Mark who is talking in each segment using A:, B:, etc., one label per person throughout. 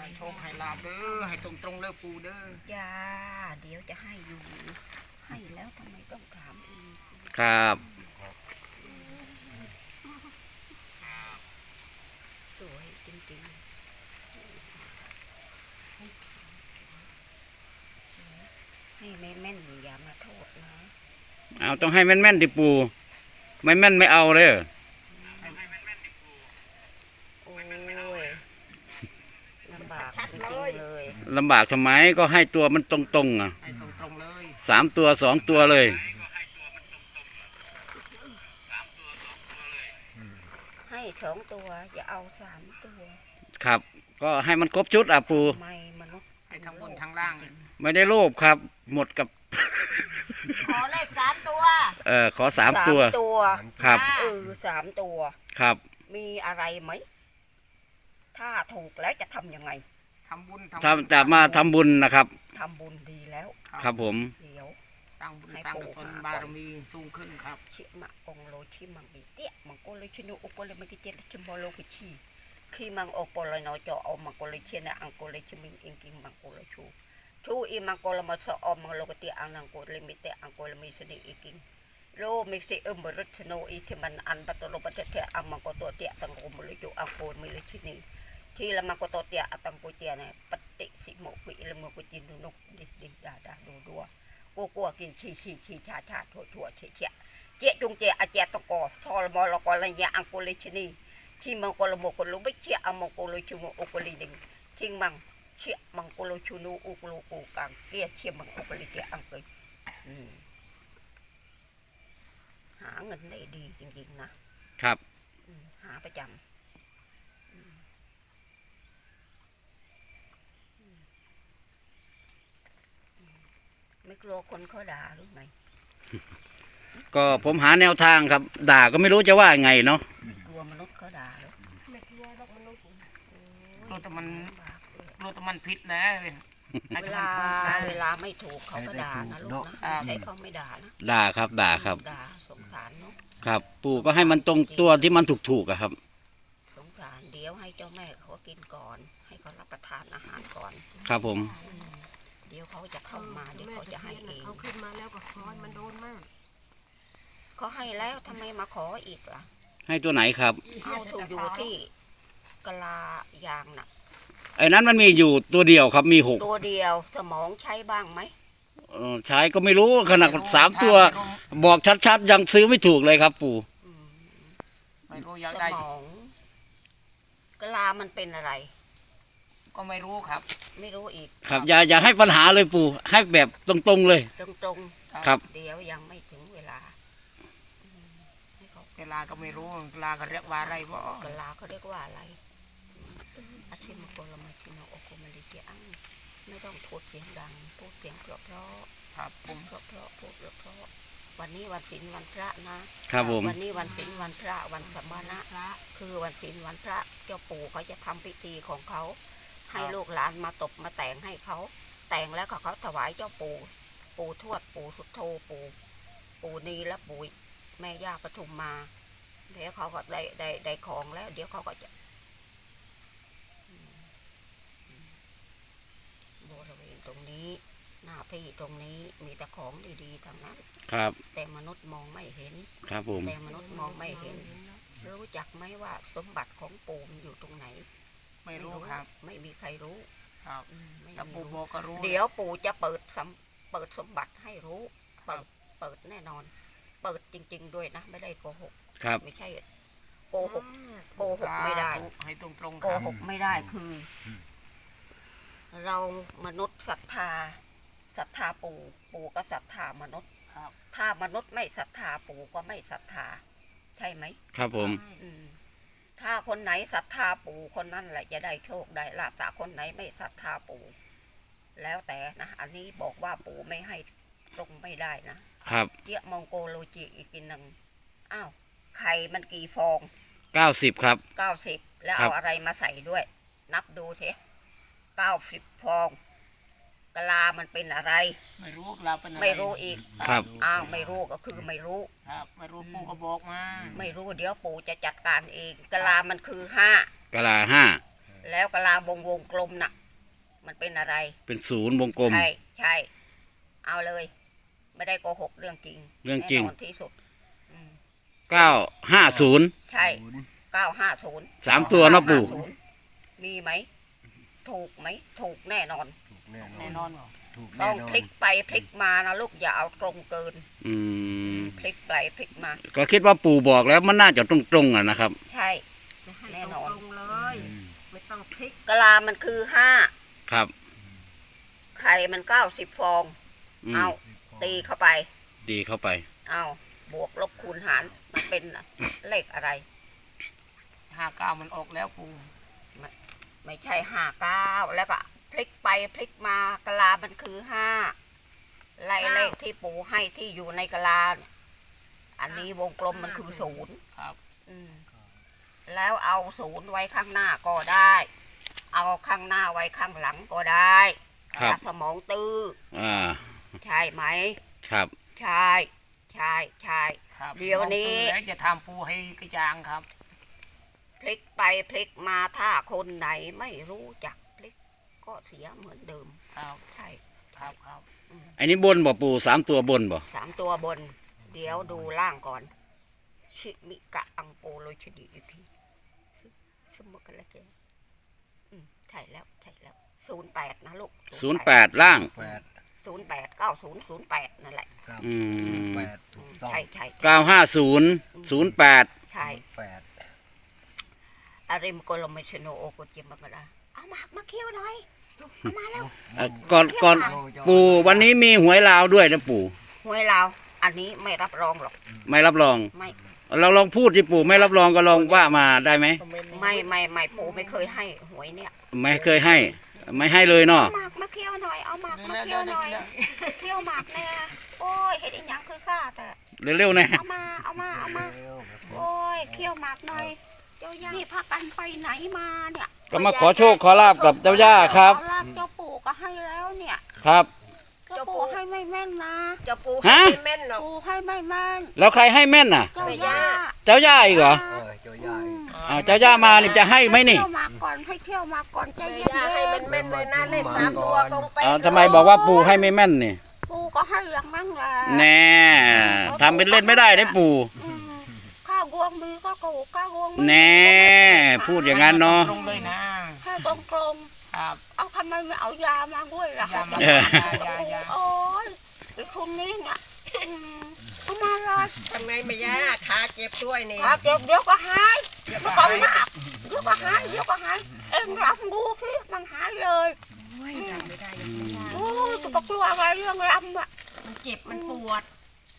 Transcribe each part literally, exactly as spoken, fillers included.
A: ให้โชคให้ลาบเด้อให้ตรงตรงเลิกปูเด้อ
B: จ้าเดี๋ยวจะให้อยู่ให้แล้วทำไมต้องถามอีก
C: ครับ
B: สวยจริงๆให้แม่แม่นอย่ามาโทษนะ
C: เอาต้องให้แม่นแม่นดิปูไม่แม่นไม่เอาเลย
B: โอ้ยลำบากจริงเลย
C: ลำบากทำไมก็ให้ตัวมันตรงๆอ่ะ
A: ให้ตรงตรงเลย
C: สามตัวสองตัวเลย
B: ให้สองตัวอย่าเอาสามตัว
C: ครับก็ให้มันครบชุดอ่ะปู
B: ไม่มนุษย์
A: ให้ทั้งบนทั้งล่าง
C: ไม่ได้โลภครับหมดกับ
B: ขอเลขสามตัว
C: เออขอสามตัว
B: ตัว
C: ครับ
B: เออสามตัว
C: ครับ
B: มีอะไรไหมถ้าถูกแล้วจะทำยังไง
A: ทำบุญ
C: ทำจะมาทำบุญนะครับ
B: ทำบุญดีแล้ว
C: ครับผม
B: เดี๋ยว
A: สร้างบุญสร้างกุศลบารมีสูงขึ้นครับ
B: ชิมะองโลชิมังบิเตียมังโกเลยชิโนอุปเลยมังกิเจลชิมโบโลกิชีขีมังโอปเลยนอจอเอามังโกเลยเชนะอังโกเลยชิมิงอิงกิงมังโกเลยชูชูอีมังโกเลยมาสออมังโลกติอังนังโกเลยมิเตอังโกเลยมิสนิอิกิงโลมิสิเอมบริษโนอิชิมันอันปัตโลปัตเตอังมังโกตัวเตียตังโกมเลยจูอังโกมิเลยชินีที่ละมังโกตัวเตียตังโกเตียเนี่ยปฏิสิโมกุอิละโมกุจินนุกดิดิดาดาดูดัวกูกลัวกินชีชีชีชาชาถั่วถั่วเชี่ยเชี่ยเจ๊จุงเจ๊อาเจ๊ตะกอทอลมอลกอลัญญาอังโกลิชนีที่มังโกลโมกลุบิเชี่ยอังมังโกลิชูโมอุกลิดิงทิงมังเชี่ยมังโกลชูนูอุกลูกูกังเกี้ยเชี่ยมังอุกลิเกอังเกยหาเงินได้ดีจริงๆนะครับหาประจำไม่กลัวคนเขาด่าหรือไง
C: ก็ผมหาแนวทางครับด่าก็ไม่รู้จะว่าไงเนาะ
B: กลัวมนุษย์เขาด่าหรือ
A: ไม่กลัวหรอกมนุษย์กลัวแต่มันกลัวแต่มันผิดนะ
B: เวลาเวลาไม่ถูกเขาก็ด่านะลูกนะใช่เขาไม่ด่านะ
C: ด่าครับด่าครับ
B: ด่าสงสารเนาะ
C: ครับปู่ก็ให้มันตรงตัวที่มันถูกๆอะครับ
B: สงสารเดี๋ยวให้เจ้าแม่เขากินก่อนให้เขารับประทานอาหารก่อน
C: ครับผม
B: เดี๋ยวเขาจะเข้ามาเดี๋ยวเขาจะให้เอง
A: เขาขึ้นมาแล้วก็ขอมันโดนมาก
B: เขาให้แล้วทำไมมาขออีกล่ะ
C: ให้ตัวไหนครับ
B: เอาถูกอยู่ที่กะลายางน่ะ
C: ไอ้นั้นมันมีอยู่ตัวเดียวครับมีหก
B: ตัวเดียวสมองใช้บ้างไหม
C: ใช้ก็ไม่รู้ขนาดสามตัวบอกชัดๆยังซื้อไม่ถูกเลยครับปู่
A: ไม่รู้อยากได้
B: สมองกะลามันเป็นอะไร
A: ก็ไม่รู้ครับ
B: ไม่รู้อีก
C: ครับอย่าอย่าให้ปัญหาเลยปู่ให้แบบตรงๆเลย
B: ตรง
C: ๆครับ
B: เดี๋ยวยังไม่ถึงเวลา
A: เวลาก็ไม่รู้เวลาเขาเรียกว่าอะไรบ่
B: เวลาเขาเรียกว่าอะไรอาชิมโกลมาชิโนโอโกมาลิเกอังไม่ต้องพูดเสียงดังพูดเสียงเพราะเพราะ
A: ครับผม
B: เพราะเพราะพูดเพราะเพราะวันนี้วันศีลวันพระ
C: นะครับผม
B: วันนี้วันศีลวันพระวันสัมมาณะคือวันศีลวันพระเจ้าปู่เขาจะทำพิธีของเขาให้ลูกหลานมาตบมาแต่งให้เขาแต่งแล้วเขาถวายเจ้าปู่ปู่ทวดปู่สุโธปู่ปู่นีและปู่แม่ย่าปทุมมาเดี๋ยวเขาก็ได้ได้ได้ของแล้วเดี๋ยวเขาก็จะบริเวณตรงนี้หน้าที่ตรงนี้มีแต่ของดีๆทั้งนั้น
C: ครับ
B: แต่มนุษย์มองไม่เห็น
C: ครับผม
B: แต่มนุษย์มองไม่เห็นรู้จักไหมว่าสมบัติของปู่มันอยู่ตรงไหน
A: ไม่รู้ครับ
B: ไม่มีใครรู้
A: ครับแต่ปู่บอกก็รู้
B: เดี๋ยวปู่จะเปิดสมเปิดสมบัติให้รู้เปิดเปิดแน่นอนเปิดจริงๆด้วยนะไม่ได้โกหก
C: ครับ
B: ไม่ใช่โกหกโกหกไม่ได้
A: ให้ตรงๆ
B: โกหกไม่ได้คือเรามนุษย์ศรัทธาศรัทธาปู่ปู่ก็ศรัทธามนุษย์ถ้ามนุษย์ไม่ศรัทธาปู่ก็ไม่ศรัทธาใช่ไหม
C: ครับผม
B: ถ้าคนไหนศรัทธาปู่คนนั้นแหละจะได้โชคได้ลาภแต่คนไหนไม่ศรัทธาปู่แล้วแต่นะอันนี้บอกว่าปู่ไม่ให้ตรงไม่ได้นะครับเจี๊ยมองโกโลจิอีกกินหนึ่งอ้าวไข่มันกี่ฟอง
C: เก้าสิบครับ
B: เก้าสิบแล้วเอาอะไรมาใส่ด้วยนับดูเถอะเก้าสิบฟองกะลามันเป็นอะไร
A: ไม่รู้กะลาเป็นอะไร
B: ไม่รู้อีก
C: ครับ
B: อ้าวไม่รู้ก็คือไม่รู้
A: ครับไม่รู้ปู่ก็บอกมา
B: ไม่รู้เดี๋ยวปู่จะจัดการเองกะลามันคือห้าก
C: ะลาห้า
B: แล้วกะลาวงวงกลมน่ะ มันเป็นอะไร
C: เป็นศูนย์วงกลม
B: ใช่ใช่เอาเลย ไม่ได้โกหกเรื่องจริง
C: เรื่องจริง
B: แน่นอนที่สุดอืม
C: เก้าห้าศูนย์
B: ใช่เก้าห้าศูนย์
C: สามตัวเนาะปู่
B: มีไหม ถูกไหม ถูกแน่นอน
D: ถูกแน่
A: แน่
D: น
A: น
D: อ
A: อน นเหรอ
D: ถูก
B: ต้
D: แน่
B: อง
D: นอ
B: พ
D: น
B: ลิกไปพลิกมานะลูกอย่าเอาตรงเกิน
C: อืม
B: พลิกไปพลิกมา
C: ก็คิดว่าปู่บอกแล้วมันน่าจะตรงๆอ่ะนะครับ
B: ใช่
E: จะให้
B: แน่
E: ต
B: นอน
E: รงๆเลย ไม่ต้องพลิก
B: กะลามันคือห้า
C: ครับ
B: ไข่มันเก้าสิบฟอง
C: อืม
B: เอาตีเข้าไป
C: ดีเข้าไป
B: เอาบวกลบคูณหารมันเป็นเลขอะไร
A: ห้าเก้ามันออกแล้วปู
B: ไม่ใช่ห้าเก้าแล้วก็พลิกไปพลิกมากะลามันคือห้าไล่เลขที่ปู่ให้ที่อยู่ในกะลาเนี่ยอันนี้วงกลมมันคือศูนย์
A: ครับ
B: อืมแล้วเอาศูนย์ไว้ข้างหน้าก็ได้ เอาข้างหน้าไว้ข้างหลังก็ได้
C: ครับ
B: สมองตื้อ
C: อ่า
B: ใช่ไหม
C: ครับ
B: ใช่ใช่ใช่
A: ครับ
B: เดี๋ยวนี้
A: แล้วจะทำปูให้กระจางครับ
B: พลิกไปพลิกมาถ้าคนไหนไม่รู้จักพลิกก็เสียเหมือนเดิม
A: ครับ
B: ใช่
A: ครับครับ
B: อืม
C: อันนี้บนบ่ปู่สามตัวบนบ่
B: สามตัวบน เดี๋ยวดูล่างก่อน ชิมิกะอังโปโลชดีอีพีสมมติกันแล้วแกอืมใช่แล้วใช่แล้วศูนย์แปดนะลูก
C: ศูนย์แปดล่าง
D: แปด
B: ศูนย์แปดเก้าศูนย์ศูนย์แปดนั่นแหละ
D: ครับ
C: อืม
D: แปดถูกต้อง
B: ใช่ใช่
C: เก้าห้าศูนย์ศูนย์แปด
B: ใช่
D: แปด
B: อาริมโกลเมชโนโอโกเจมบังกะดาเอาหมากมาเคี่ยวหน่อยเอามาแล้ว
C: อ่ะก่อนก่อนปู่วันนี้มีหวยลาวด้วยนะปู่
B: หวยลาวอันนี้ไม่รับรองหรอก
C: ไม่รับรอง
B: ไม่
C: เราลองพูดสิปู่ไม่รับรองก็ลองว่ามาได้ไหม
B: ไม่ไม่ไม่ปู่ไม่เคยให้หวยเนี่ย
C: ไม่เคยให้ ไม่ให้เลยเนาะ
B: เอาหมากมาเคี่ยวหน่อยเอาหมากมาเคี่ยวหน่อยเคี่ยวหมากแน่โอ้ยเห็ดอีหยังคือซ่าแต่
C: เร็วๆนะ
B: เอามาเอามาเอามา
D: เร็วครับผม
B: โอ้ยเคี่ยวหมากหน่อยเจ้าย่านี่พากันไปไหนมาเนี่ย
C: ก็มาขอโชคขอลาบกับเจ้าย่าครับ
B: ขอลาบเจ้าปู่ก็ให้แล้วเนี่ย
C: ครับ
B: เจ้าปู่ให้ไม่แม่นนะ
E: จะปู
C: ฮะ
E: ให้แม่นหรอก
B: ปู่ให้ไม่แม่น
C: แล้วใครให้แม่นน่ะ
B: เจ้าย่า
C: เจ้าย่าอีกเหรอ
D: เออเจ้าใหญ่
C: อ่าเจ้าย่ามานี่จะให้ไหมนี่
B: เที่ยวหมากก่อนให้เที่ยวหมากก่อนใจ
E: แม่
B: เย็น
E: ย่าให้มันแม่นเลยนะเลขสามตัวตรงเป๊ะ
C: อ่าทำไมบอกว่าปู่ให้ไม่แม่นนี่
B: ๆปู่ก็ให้อย่างนั้นแหละ
C: แน่ทำเป็นเล่นไม่ได้ได้ปู่
B: อืมข้าวกวงมีก็ถูกข้าวกวงไม่มี
C: แน่พูดอย่างนั้นเนาะ
A: ตรงเลยนะ
B: ให้ตรงตรง
A: ครับ
B: ๆเอาทำไมไม่เอายามาด้วยล่ะ
A: ยามา
C: เออ
A: ยายา
B: โอ้ยไอ้คนนี้เนี่ยอืมเอามาเลย
E: ทำไงไม่ย่าขาเจ็บด้วยนี่
B: ถ้าเจ็บเดี๋ยวก็หาย
E: เจ็บ
B: ไม่
E: ขา
B: ต้องมากเดี๋ยวก็หายเดี๋ยวก็หายเอ็งรับดูสิมันหายเลย
E: ทำไม่ได้ยังไม่ย่า
B: โอ้ยจะกลัวอะไรเรื่องรำอะ
E: มันเจ็บมันปวด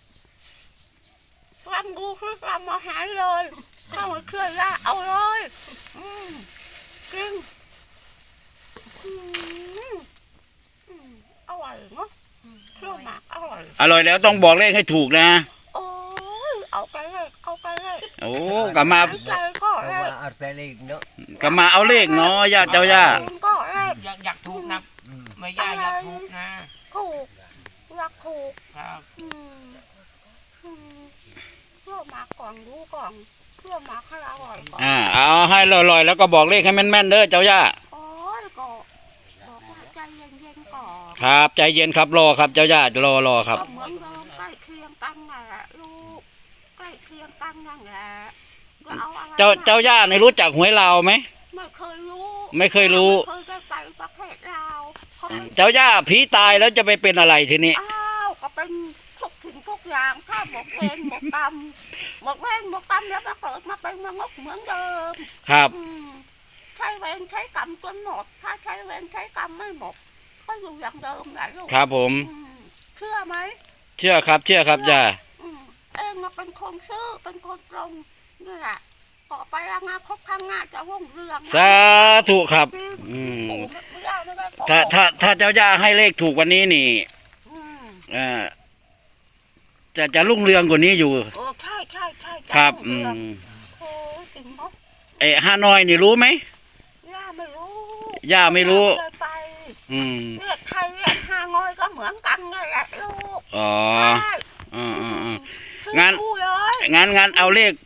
B: รำดูสิรำมาหายเลยถ้าไม่เชื่อยาเอาเลยอืมจริงอืมอืมอร่อยเนาะเชื่อมากอร่อย
C: อร่อยแล้วต้องบอกเลขให้ถูกนะ
B: โอ้ยเอาไปเลยเอาไปเลย
C: โอ้กลับมา
B: หยใจก็
D: เพ
B: เล
D: ราะ
B: ย
D: ว่าอัตเลขเนาะ
C: กลับมาเอาเลขเนาะย่าเจ้าย่า
B: ก็เลย
A: อยากอยากถูกนะ
D: อืม
A: ไม่ย่าอยากถูกนะ
B: ถูกรักถูก
A: ครับ
B: อืมอืมเชื่อมาก่อนรู้ก่อนเชื่อมาให้อร่อยก่อน
C: อ่าเอาให้ลอยๆแล้วก็บอกเลขให้แม่นๆเด้อเจ้าย่า
B: โอ้ยก็บอกว่าใจเย็นๆก่อน
C: ครับใจเย็นครับรอครับเจ้าย่ารอรอครับ
B: ก็เหมือนเดิมใกล้เคียงกันนั่นแหละลูกใกล้เคียงกันนั่นแหละก็เอาอะไร
C: เจ้าเจ้าย่าในรู้จักหวยลาวไหม
B: ไม่เคยรู้
C: ไม่เคยรู้
B: ไม่เคยได้ไปประเทศลาวเขาไม่
C: เจ้าย่าผีตายแล้วจะไปเป็นอะไรทีนี้
B: อ้าวก็เป็นทุกสิ่งทุกอย่างถ้าหมดเวรหมดกรรมหมดเวรหมดกรรมแล้วก็เกิดมาเป็นมนุษย์เหมือนเดิม
C: ครับ
B: อืมใช้เวรใช้กรรมจนหมด ถ้าใช้เวรใช้กรรมไม่หมดก็อยู่อย่างเดิมแหละลูก
C: ครับผม
B: อืมเชื่อไหม
C: เชื่อครับเชื่อครับย่า
B: อืมเองน่ะเป็นคนซื่อเป็นคนตรงนี่แหละต่อไปอนาคตข้างหน้าจะรุ่งเรืองนะ
C: สาธุครับ
B: จง
C: อืม
B: ปู่ไม่ได้ไม่ได้โกหก
C: ถ้าถ้าถ้าเจ้าย่าให้เลขถูกวันนี้นี่
B: อืม
C: เอ่อจะจะรุ่งเรืองกว่านี้อยู่
B: โอ้ใช่ใช่ใช่จะ
C: ครับ
B: รุ่
C: อื
B: งเรือง
C: ม
B: โอ้ยจริงเนาะ
C: ไอ้ฮานอยนี่รู้ไหม
B: ย่าไม่รู้
C: ย่าไม่รู้
B: ย่าเคยไป
C: อืม
B: เรียกไทยเรียกฮางอยก็เหมือนกันไงแหละลูก
C: อ๋อ
B: ใช่
C: อืมอืมอืม
B: ชื่อ
C: งั้น
B: รู้เลย
C: งั้นงั้นเอาเลข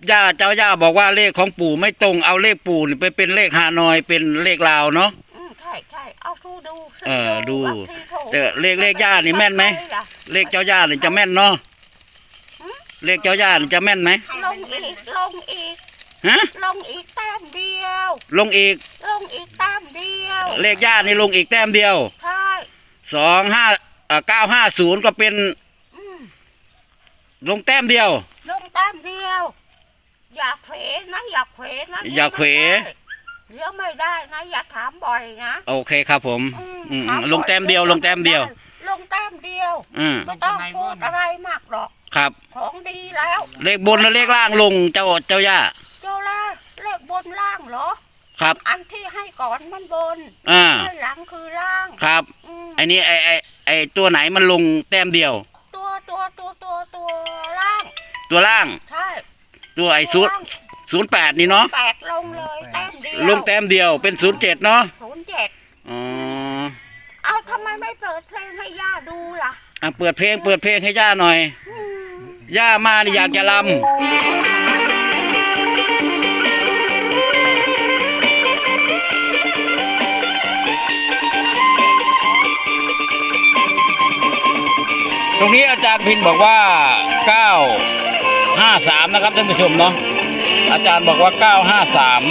C: ย่าเจ้าย่าบอกว่าเลขของปู่ไม่ตรงเอาเลขปู่นี่ไปเป็นเลขฮานอยเป็นเลขลาวเนาะ
B: อืมใช่ใช่เอาดูดูซื้
C: เออดู
B: บางทีโทร
C: แต่เลขเลขย่านี่แม่นไหม เลขเจ้าย่านี่จะแม่นเนาะเลขเจ้าย่านี่จะแม่นไหม
B: ลงอีกลงอีก
C: ฮะ
B: ลงอีกแต้มเดียว
C: ลงอีก
B: ลงอีกแต้มเดียว
C: เลขย่านี่ลงอีกแต้มเดียว
B: ใช่
C: สองห้าเก้าห้าศูนย์ก็เป็น
B: อืม
C: ลงแต้มเดียว
B: ลงแต้มเดียว อยากเผลนะอยากเผลนะ
C: อยากเผล
B: เลี้ยงไม่ได้นะอย่าถามบ่อยนะ
C: โอเคครับผม
B: อืม
C: อืม
B: ถาบ่อย
C: ลงแต้มเดียว ลงแต้มเดียว
B: ลงแต้มเดียว
C: อืม
B: ไม่ต้องพูดอะไรมากหรอก
C: ครับ
B: ของดีแล้ว
C: เลขบนและเลขล่างลงเจ้าเจ้าย่า
B: เจ้าล่ะเลขบนล่างเหรอ
C: ครับ
B: อันที่ให้ก่อนมันบน
C: อ่า
B: ให้หลังคือล่าง
C: ครับ
B: อืม
C: ไอ้นี้ไอ้ไอ้ไอ้ตัวไหนมันลงแต้มเดียว
B: ตัวตัวตัวตัวตัวล่าง
C: ตัวล่าง
B: ใช่
C: ตัวไอ้ศูนย์ศูนย์แปดนี่เนาะ
B: แปดลงเลยแต้มเดียว
C: ลงแต้มเดียวเป็นศูนย์เจ็ดเนาะ
B: ศูนย์เจ็ด
C: อ๋อ
B: เอาทำไมไม่เปิดเพลงให้ย่าดูล่ะ
C: อ่ะเปิดเพลงเปิดเพลงให้ย่าหน่อย
B: อืม
C: ย่ามานี่อยากจะลำตรงนี้อาจารย์พินบอกว่าเก้าห้าสามนะครับท่านผู้ชมเนาะอาจารย์บอกว่าเก้าห้าสาม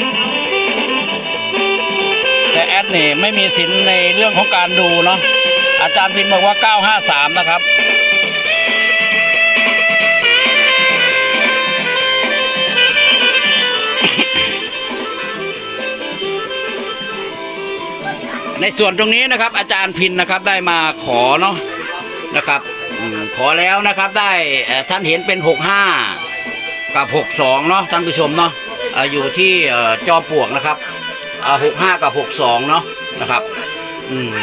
C: แต่แอดนี่ไม่มีสินในเรื่องของการดูเนาะอาจารย์พินบอกว่าเก้าห้าสามนะครับในส่วนตรงนี้นะครับอาจารย์พินนะครับได้มาขอเนาะนะครับอืมขอแล้วนะครับได้เอ่อท่านเห็นเป็นหกห้ากับหกสองเนาะท่านผู้ชมเนาะอ่าอยู่ที่เอ่อจอมปลวกนะครับอ่าหกห้ากับหกสองเนาะนะครับอืม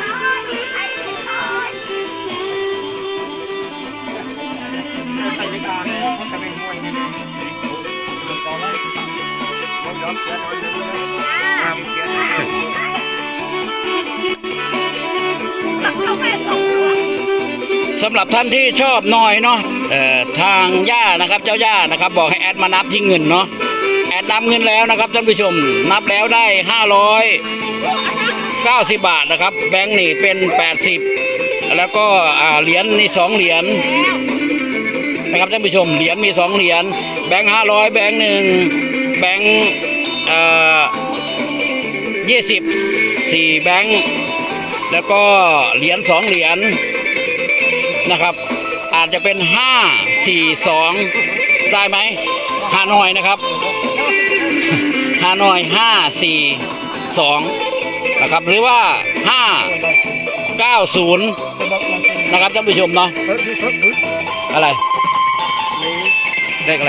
C: สำหรับท่านที่ชอบน้อยเนาะเอ่อทางย่านะครับเจ้าย่านะครับบอกให้แอดมานับที่เงินเนาะแอดนับเงินแล้วนะครับท่านผู้ชมนับแล้วได้ห้าร้อยเก้าสิบบาทนะครับแบงค์นี่เป็นแปดสิบแล้วก็อ่าเหรียญนี่สองเหรียญนะครับท่านผู้ชมเหรียญมีสองเหรียญแบงค์ห้าร้อยแบงค์หนึ่งแบงค์เอ่อยี่สิบสี่แบงค์แล้วก็เหรียญสองเหรียญนะครับอาจจะเป็นห้าสี่สองได้ไหมฮานอยนะครับฮานอยห้าสี่สองนะครับหรือว่าห้าเก้าศูนย์นะครับท่านผู้ชมเนาะอะไรเลขอะไร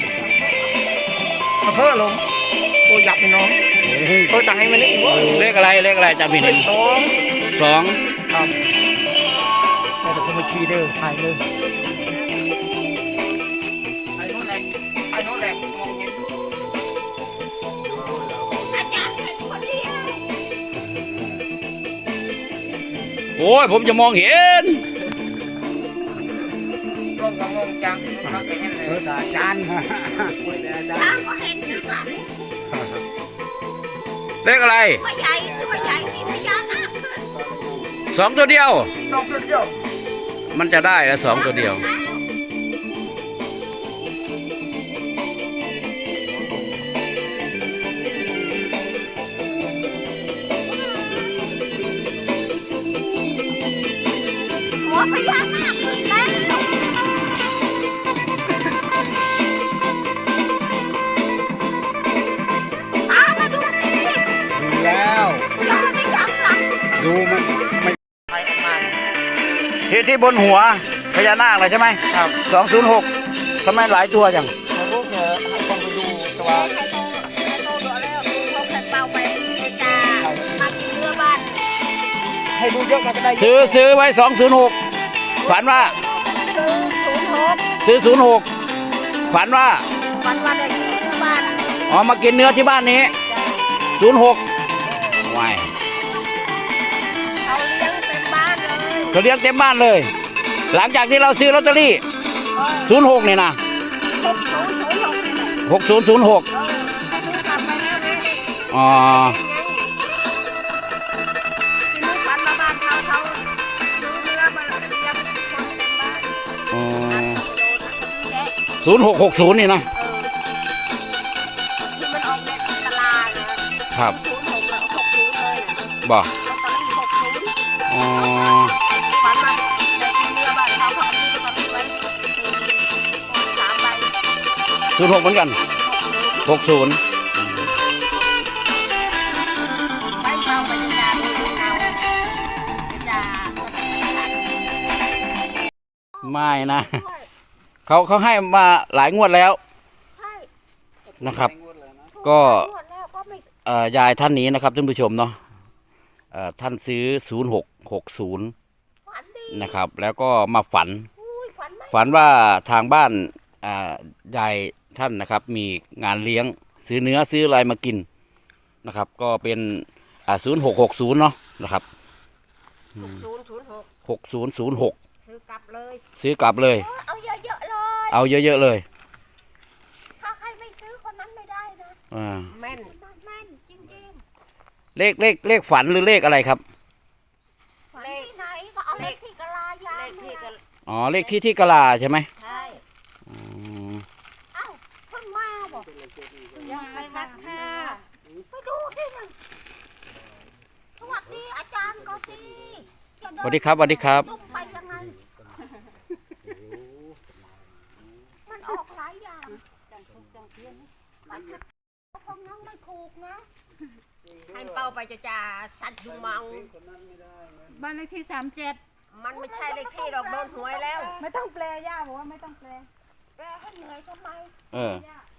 A: เพิ่มลงโอ้ยับไปน้องโอ้ตังให้มันนี่อีกวะ
C: เลขอะไรเลขอะไรจำผิด
A: เลขสอง
C: สอง
A: ครับแต่ผมมาขี่เด้อถ่ายเลยไอ้โน่นแหละไอ้โน่นแหละ
B: อาจารย์เป็นคนเดียว
C: โอ้ยผมจะมองเห็น
A: ร่มกับงงจังครับไปเห็นเลยอาจารย์
B: ทางก็เห็นนะว่า
C: เลขอะไร
B: ตัวใหญ่ตัวใหญ่มีพญานาคขึ้น
C: สองตัวเดียว
A: สองจุดเดียว
C: มันจะได้แล้วสองตัวเดียว
B: หัวพญานาคขึ้นแล้วตามมาดูสิ
C: ดูแล้ว
B: รอไม่จับหลัง
C: ดูมันไม่
A: ถ่ายออกมา
C: ที่ที่บนหัวพญานาคเลยใช่ไหม
A: ครับ
C: สองศูนย์หกทำไมหลายตัวจัง
A: เขาลูกเออต้องไปดูตัว
B: ใครโตใครโตดูแล้วเขาแข่งเป่าไปเมกามากินเรือบ้าน
A: ให้ดูเยอะมันจะได้
C: ซื้อซื้อไว้สองศูนย์หกฝันว่า
B: ซื้อศูนย์หก
C: ซื้อศูนย์หกฝันว่า
B: วันวันได้กินเรือบ้าน
C: อ๋อมากินเนื้อที่บ้านนี้ศูนย์หกว้าย
B: เขาเลี้ยงเต็มบ้านเลย
C: เขาเลี้ยงเต็มบ้านเลย หลังจากที่เราซื้อลอตเตอรี่ศูนย์หกเนี่ยนะ
B: หกศูนย์ศูนย์หก
C: หกศูนย์ศูนย์หก
B: เออก็ซื้อกลับไปแล้วนะ
C: อ๋อ
B: ทีนี้ฝันมาบ้านเขาเขาซื้อเนื้อมาเลี้ยงคนเต็มบ้าน
C: อ๋อ
B: โดนซื้อแยะ
C: ศูนย์หกหกศูนย์นี่นะ
B: เออที่มันออกในตลาดนะครับ ศูนย์หกแล้วหกศูนย์เลยนะ
C: บ่
B: ลอตเตอรี่หกศูนย์
C: อ๋อ
B: ฝันมาได้กินเนื้อบ้านเขาเขาซื้อลอตเตอรี่ไว้สี่สามใบ
C: ศูนย์หกเหมือนกัน
B: หกศูนย์
C: หกศูนย์
B: ไปเฝ้าไปยาดูเงาไปยา
C: ไม่นะ เขาเขาให้มาหลายงวดแล้ว
B: ใช่
C: นะครับ ก็
B: นวดแล้วก็ไม่
C: เอ่อยายท่านนี้นะครับท่านผู้ชมเนาะเอ่อท่านซื้อศูนย์หกหกศูนย์
B: ฝันดี
C: นะครับ แล้วก็มาฝัน
B: อุ้ยฝันไม่
C: ฝันว่าทางบ้านอ่ายายท่านนะครับ มีงานเลี้ยงซื้อเนื้อซื้ออะไรมากินนะครับ ก็เป็นอ่าศูนย์หกหกศูนย์เนาะนะครับ
B: หกศูนย์ศูนย์หก
C: หกศูนย์ศูนย์หก
B: ซื้อกลับเลย
C: ซื้อกลับเลย
B: เอาเยอะๆเลย
C: เอาเยอะๆเลย
B: ถ้าใครไม่ซื้อคนนั้นไม่ได้นะ
C: อ่า
B: แม่นแม่นจริง
C: เลขเลขเลขฝันหรือเลขอะไรครับ
B: ๆเลขไหนก็เอาเลขที่กะลายาเลขที่กะ
C: อ๋อเลขที่ที่กะลาใช่ไหม
B: ใช่
C: อืม
B: เอ้าเพิ่งมาบอกยังไงนัดค่ะไปดูที่หนึ่งสวัสดีอาจารย์ก็สิจะเน
C: สวัสดีครับสวัสดีครับ
B: ลงไปยังไงมันออกหลายอย่างมันคงยังไม่ถูกนะให้เป้าไปจะจ่าสัตว์ยุงเมา
D: บ้านเลขที่สามเจ็ด
B: มันไม่ใช่เลขที่ดอกโดนหวยแล้ว
D: ไม่ต้องแปลย่าบอกว่าไม่ต้องแปล
B: แกให้เหนื่อยทำไม
C: เออ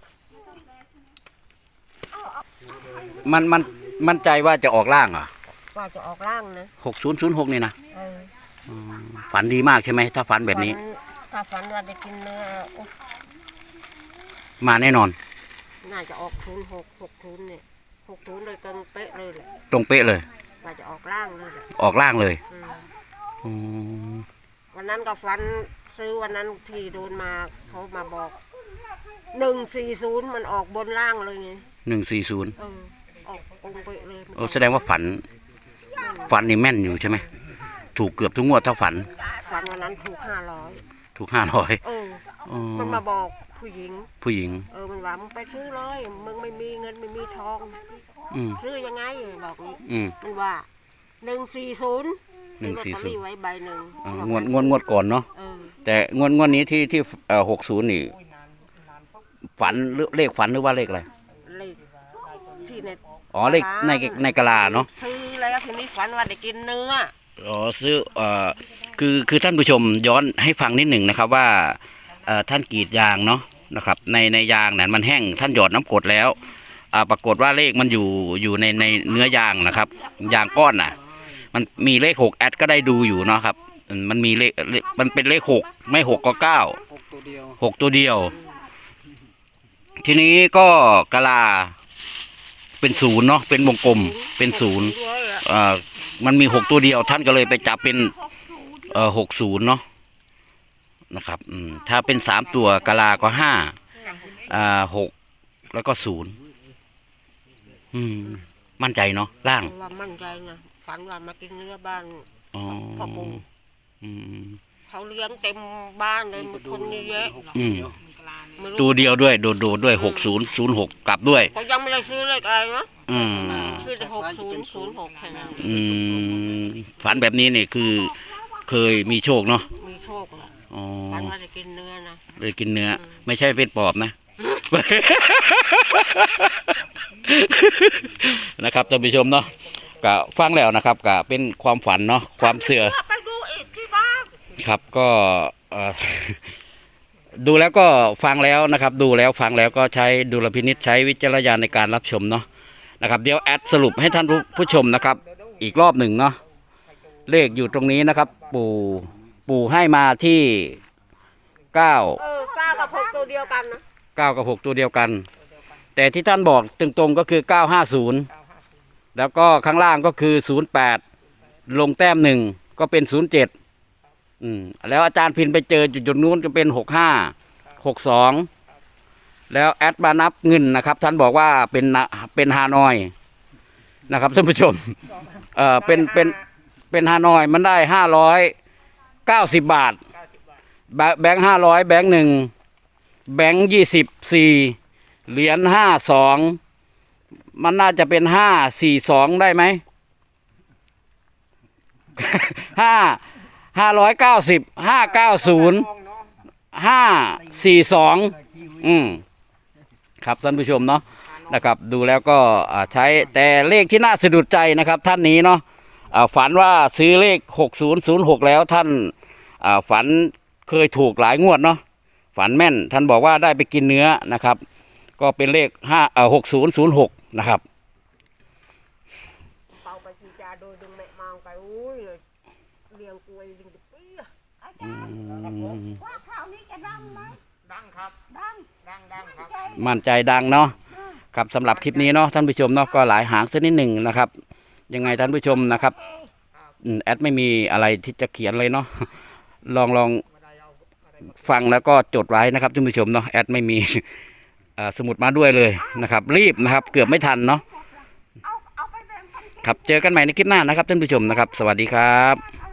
C: มันมันมั่นใจว่าจะออกล่างเหรอ
B: ว่าจะออกร่างนะ
C: หกศูนย์ศูนย์หกนี่นะ
B: เออ
C: อืมฝันดีมากใช่ไหมถ้าฝันแบบนี้
B: ฝัถ้าฝันว่าได้กินเนื้อโอ้
C: มาแน่นอน
B: น่าจะออกทุนหกหกทุนเนี่ยหกทุนเลยตรงเป๊ะเลยแหละ
C: ตรงเป๊ะเลย
B: ว่าจะออกร่างเลยแหละ
C: ออกล่างเลย
B: อืม
C: อืม
B: วันนั้นก็ฝันซื้อวันนั้นที่โดนมาเขามาบอกหนึ่งสี่ศูนย์มันออกบนล่างเลยไง
C: หนึ่งสี่ศูนย์
B: เออออกตรงเป๊ะเลยมัน
C: โอ้แสดงว่าฝัน ฝันนี่แม่นอยู่ใช่ไหมถูกเกือบทุกงวดถ้าฝัน
B: ฝันวันนั้นถูกห้าร้อย
C: ถูกห้าร้อย
B: เออมันมาบอกผู้หญิง
C: ผู้หญิง
B: เออมันว่ามึงไปซื้อเลยมึงไม่มีเงินไม่มีทอง
C: อืม
B: ซื้อยังไงบอกนี้
C: อืม
B: มันว่าหนึ่งสี่ศูนย์
C: หนึ่งสี่ศูนย์
B: ไว้ใบหนึ่ง
C: อ่างวดงวดงวดก่อนเนาะ
B: เออ
C: แต่งวดงวดนี้ที่ที่เอ่อหกศูนย์นี่ ฝันหรือเลขฝันหรือว่าเลขอะไร
B: เลขที่ใน
C: อ๋อเลขในในกะลาเนาะ
B: ซื้อแล้วทีนี้ฝันว่าได้กินเนื้อ
C: อ๋อซื้อเอ่อคือคือท่านผู้ชมย้อนให้ฟังนิดหนึ่งนะครับว่าเอ่อท่านกรีดยางเนาะนะครับในในยางเนี่ยมันแห้งท่านหยอดน้ำกรดแล้วอ่าปรากฏว่าเลขมันอยู่อยู่ในในเนื้อยางนะครับยางก้อนน่ะ มันมีเลขหกแอดก็ได้ดูอยู่เนาะครับมันมีเลขเลขมันเป็นเลขหกไม่หกก็เก้าหกตัวเดียวหกตัวเดียว ทีนี้ก็กะลาเป็นศูนย์เนาะเป็นวงกลมเป็นศูนย์
B: ด้วยอะ
C: เอ่อมันมีหกตัวเดียว ท่านก็เลยไปจับเป็นเอ่อหกศูนย์เนาะนะครับอืมถ้าเป็นสามตัวกะลาก็ห้าอ่าหกแล้วก็ศูนย์อืมมั่นใจเนาะล่าง
B: ว่ามั่นใจนะฝันว่ามากินเนื้อบ้าน
C: อ๋อ
B: พ่อปู่
C: อืม
B: เขาเลี้ยงเต็มบ้านเลยมีคนเยอะ
C: อืม
B: ไม่รู้
C: ตัวเดียวด้วยโดดโดดด้วยหกศูนย์ศูนย์หกกลับด้วย
B: ก็ยังไม่ได้ซื้อเลขอะไรนะ
C: อืม
B: ซื้อแต่หกศูนย์ศูนย์หกแค่นั้น
C: อืมฝันแบบนี้เนี่ยคือเคยมีโชคเนาะ
B: มีโชคแหละ
C: อ๋อ
B: ฝันว่าจะกินเนื้อนะ
C: เลยกินเนื้อ ไม่ใช่เป็นปอบนะ นะครับท่านผู้ชมเนาะก็ฟังแล้วนะครับก็เป็นความฝันเนาะความเสื่อ
B: ไปดูอีกที่บ้าน
C: ครับก็เอ่อ ดูแล้วก็ฟังแล้วนะครับ ดูแล้วฟังแล้วก็ใช้ดุลพินิจใช้วิจารณญาณในการรับชมเนาะนะครับเดี๋ยวแอดสรุปให้ท่านผู้ผู้ชมนะครับ อีกรอบหนึ่งเนาะเลขอยู่ตรงนี้นะครับ ปู่ปู่ให้มาที่เก้า
B: เออเก้ากับหกตัวเดียวกันนะ
C: เก้ากับหกตัวเดียวกัน แต่ที่ท่านบอกตรงๆก็คือเก้าห้าศูนย์แล้วก็ข้างล่างก็คือศูนย์แปดลงแต้มหนึ่งก็เป็นศูนย์เจ็ดอืมแล้วอาจารย์พินไปเจอจุดจุดนู้นก็เป็นหกห้าหกสองแล้วแอดมานับเงินนะครับท่านบอกว่าเป็นนะเป็นฮานอยนะครับท่านผู้ชมเอ่อเป็นเป็นเป็นฮานอยมันได้ห้าร้อยเก้าสิบบาท
A: เก้าสิบบาท
C: แบแบงค์ห้าร้อยแบงค์หนึ่งแบงค์ยี่สิบสี่เหรียญห้าสองมันน่าจะเป็นห้าสี่สองได้ไหม ห้าห้าร้อยเก้าสิบห้าเก้าศูนย์ห้าสี่สองอืมครับท่านผู้ชมเนาะนะครับดูแล้วก็อ่าใช้แต่เลขที่น่าสะดุดใจนะครับท่านนี้เนาะอ่าฝันว่าซื้อเลขหกศูนย์ศูนย์หกแล้วท่านอ่าฝันเคยถูกหลายงวดเนาะฝันแม่นท่านบอกว่าได้ไปกินเนื้อนะครับก็เป็นเลขห้าเอ่อหกศูนย์ศูนย์หกนะครับ
E: เป่าไปจีจาโดยดึงแม่มองไปอุ้ยเลี้ยงกล้วยดึงตะเปีย
D: อาจารย์ว่าข่าวนี้จะดังไหม
A: ดังครับ
D: ดัง
A: ดังดังครับ
C: มั่นใจดังเนาะครับสำหรับคลิปนี้เนาะท่านผู้ชมเนาะก็หลายหางสักนิดหนึ่งนะครับยังไงท่านผู้ชมนะครับอืมแอดไม่มีอะไรที่จะเขียนเลยเนาะ ลองลองฟังแล้วก็จดไว้นะครับท่านผู้ชมเนาะแอดไม่มี เอ่อสมุดมาด้วยเลยนะครับ รีบนะครับ เกือบไม่ทันเนาะ
D: เอาเอาไปแบ่งกัน
C: ครับเจอกันใหม่ในคลิปหน้านะครับท่านผู้ชมนะครับ สวัสดีครับ
D: เอา